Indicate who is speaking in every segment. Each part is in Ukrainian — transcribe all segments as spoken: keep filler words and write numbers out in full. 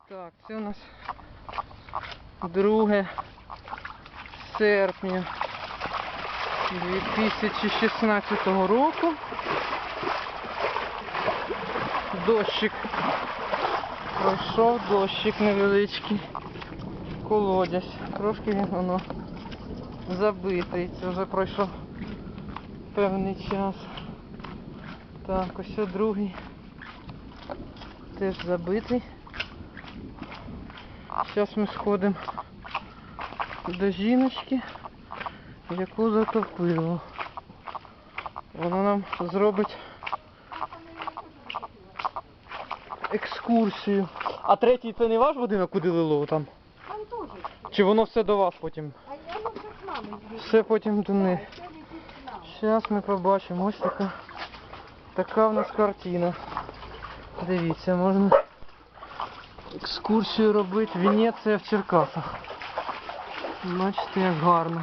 Speaker 1: Так, це у нас друге серпня дві тисячі шістнадцятого року. Дощик пройшов, дощик невеличкий, колодязь. Трошки він воно забитий. Це вже пройшов певний час. Так, ось другий теж забитий. Зараз ми сходимо до жіночки, яку затопило. Вона нам зробить екскурсію. А третій це не ваш будинок, куди лило там?
Speaker 2: Там теж.
Speaker 1: Чи воно все до вас потім?
Speaker 2: А я вам как мама здесь.
Speaker 1: Все потім до них.
Speaker 2: Все летит к нам.
Speaker 1: Зараз ми побачимо. Ось така, така в нас картина. Дивіться, можна екскурсію робити. Венеція в Черкасах. Бачите, як гарно.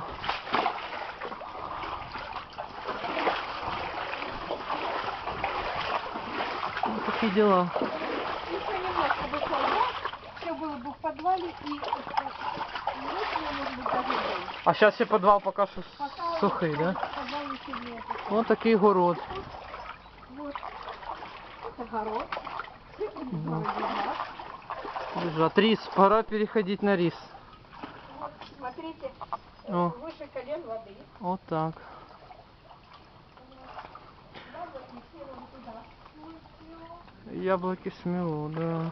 Speaker 1: Ось такі діла.
Speaker 2: Еще немножко бы солдат, все было бы в подвале и ночью, может быть, даже день.
Speaker 1: А зараз ще підвал поки що
Speaker 2: Пока
Speaker 1: сухий,
Speaker 2: в
Speaker 1: да?
Speaker 2: подвале еще нет.
Speaker 1: Ось такий город.
Speaker 2: Вот. Это город. Цифры в городе, да.
Speaker 1: Лежат. Рис. Пора переходить на рис.
Speaker 2: Вот, смотрите,
Speaker 1: О.
Speaker 2: выше колен воды.
Speaker 1: Вот так.
Speaker 2: Яблоки все вон туда.
Speaker 1: Яблоки смело, да.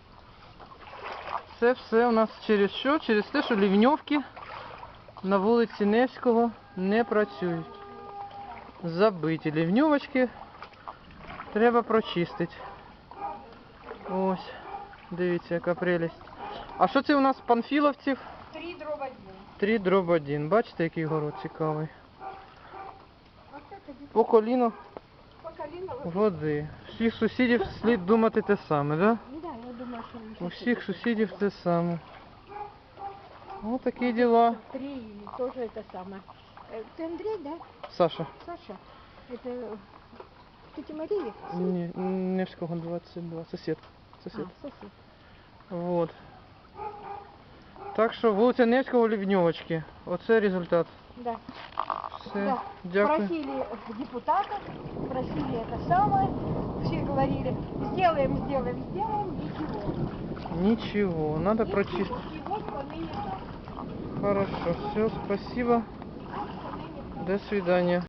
Speaker 1: Це все у нас через що? Через те, що лівньовки на вулиці Невського не працюють. Забиті лівньовочки. Треба прочистити. Ось. Дивіться, яка прелість. А що це у нас панфіловців?
Speaker 2: Три дров один.
Speaker 1: три дроб один. Бачите, який город цікавий.
Speaker 2: Вот это здесь
Speaker 1: По коліну
Speaker 2: по колено воды.
Speaker 1: води. Всіх сусідів слід думати те саме, да?
Speaker 2: Да, я думаю, что
Speaker 1: У всіх сусідів те саме. Ось такі діла.
Speaker 2: Три или тоже это самое. Э, Ты Андрей, да?
Speaker 1: Саша.
Speaker 2: Саша? Это тетя Мария?
Speaker 1: Ні, Невського двадцять два. Сусід. Сусід.
Speaker 2: А, сосед.
Speaker 1: Вот. Так що вулиця Невського, Лівньовочки. Оце результат.
Speaker 2: Да.
Speaker 1: Все.
Speaker 2: Да.
Speaker 1: Дякую.
Speaker 2: Просили депутатов, просили это самое. Все говорили, сделаем, сделаем, сделаем, ничего.
Speaker 1: Нічого, надо
Speaker 2: Ничего.
Speaker 1: прочистити.
Speaker 2: И вот поныне так.
Speaker 1: Хорошо, все, спасибо.
Speaker 2: Вот поныне так.
Speaker 1: До свидания.